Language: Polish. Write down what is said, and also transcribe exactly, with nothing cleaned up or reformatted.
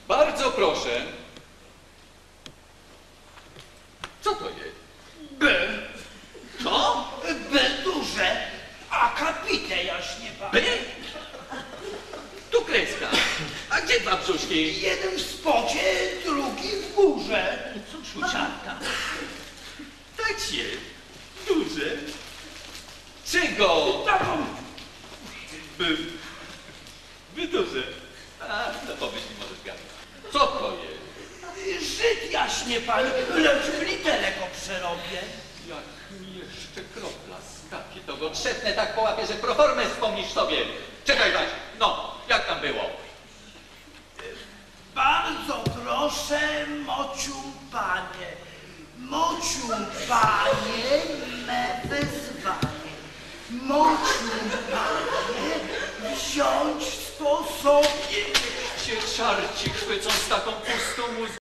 Bardzo proszę. Co to jest? B. Co? B duże, akapite jaśnie pan. B? Tu kreska. A gdzie dwa brzuszki? Jeden w spocie, drugi w górze. Co szuciarka? Tak się. Duże. Czego? Taką. By. By duże. A, to pomyśl, nie możesz gadać. Co to jest? Żyd jaśnie pan, lecz w literek przerobię. Jak mi jeszcze kropla skapie, to go trzepnę tak po łapie, że proformę wspomnisz sobie. Czekaj, Waś, no, jak tam było? Bardzo proszę, mociu panie, mociu panie, me wezwanie. Mociu panie, wziąć to sobie. Cię czarci chwycą z taką pustą mózgą.